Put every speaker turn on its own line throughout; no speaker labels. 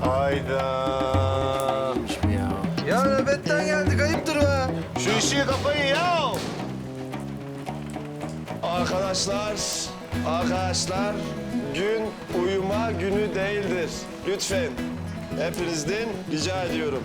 Hayda.
Ya nöbetten geldik, ayıptır be.
Şu işi kapayın ya.
Arkadaşlar, gün uyuma günü değildir. Lütfen, hepinizden rica ediyorum.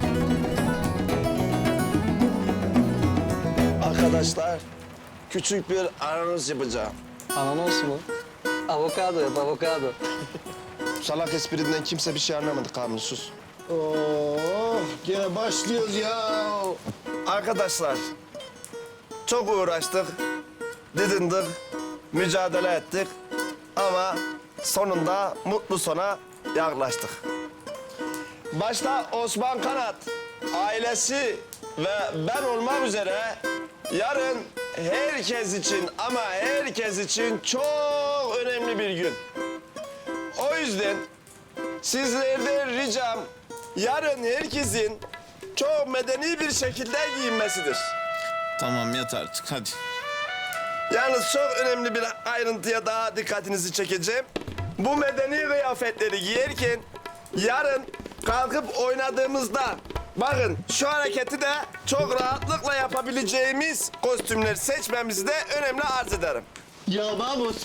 Arkadaşlar, küçük bir anons yapacağım.
Ananas mı? Avokado yap, avokado.
Salak esprinden kimse bir şey anlamadı, Kamil sus.
Oh, gene başlıyoruz ya.
Arkadaşlar, çok uğraştık, didindik, mücadele ettik ama sonunda mutlu sona yaklaştık. Başta Osman Kanat, ailesi ve ben olmak üzere yarın herkes için ama herkes için çok önemli bir gün. O yüzden sizlerden ricam yarın herkesin çok medeni bir şekilde giyinmesidir.
Tamam yat artık hadi.
Yalnız çok önemli bir ayrıntıya daha dikkatinizi çekeceğim. Bu medeni kıyafetleri giyerken yarın kalkıp oynadığımızda bakın şu hareketi de çok rahatlıkla yapabileceğimiz kostümler seçmemizi de önemli arz ederim.
Ya Mahmut.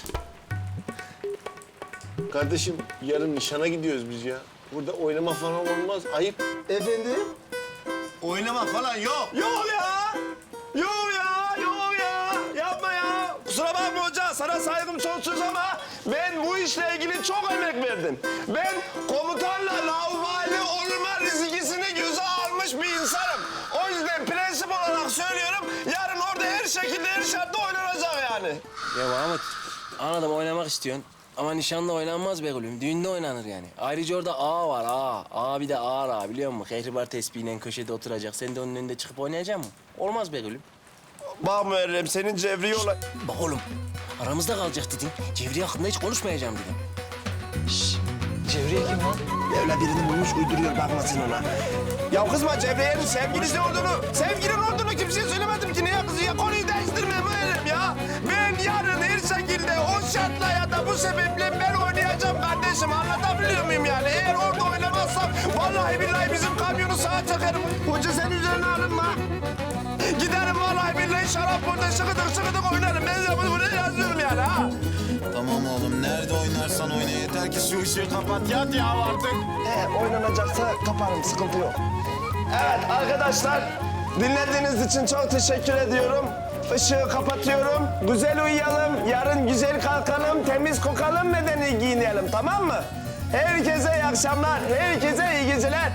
Kardeşim yarın nişana gidiyoruz biz ya. Burada oynama falan olmaz. Ayıp.
Efendim?
Oynama falan yok.
Yok ya! Yok ya! Yok ya! Yapma ya! Kusura bakma hoca, sana saygım sonsuz ama ben bu işle ilgili çok emek verdim. Ben komutanla laubali olma rizikisini göze almış bir insanım. O yüzden prensip olarak söylüyorum, yarın orada her şekilde, her şartta oynanacak yani.
Ya Mahmut, anladım oynamak istiyorsun. Ama nişanda oynanmaz be gülüm. Düğünde oynanır yani. Ayrıca orada ağa var, ağa. Ağa bir de ağır ağa biliyor musun? Kehribar tespihiyle köşede oturacak. Sen de onun önünde çıkıp oynayacak mısın? Olmaz be gülüm.
Bak Muharrem, senin cevri yola...
Bak oğlum, aramızda kalacak dedin. Cevriye hakkında hiç konuşmayacağım dedim.
Cevriye kim lan?
Öyle birini bulmuş uyduruyor, bakma sen ona. Ya kızma, Cevriye'nin sevgilisi olduğunu kimseye söylemedim ki. Niye kızı ya? Konuyu değiştirme Muharrem ya. Ben yarın her şekilde o şartla ya da bu sebeple ben oynayacağım kardeşim. Anlatabiliyor muyum yani? Eğer orada oynamazsam vallahi billahi bizim kamyonu sağa çakarım. Hoca sen üzerine alınma. Giderim vallahi billahi şarap burada şıkıdık oynarım. Ben de buraya yazıyorum yani ha.
Tamam oğlum nerede oynarsan oyna yeter ki şu ışığı kapat yat ya artık.
Oynanacaksa kaparım, sıkıntı yok. Evet arkadaşlar, dinlediğiniz için çok teşekkür ediyorum. Işığı kapatıyorum. Güzel uyuyalım, yarın güzel kalkalım, temiz kokalım, medeni giyinelim, tamam mı? Herkese iyi akşamlar, herkese iyi geceler.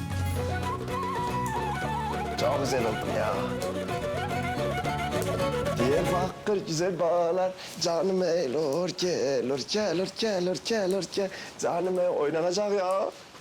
Çok güzel oldu ya. Diyarbakır güzel bağlar, canım eylor, gelir. Canım oynanacak ya.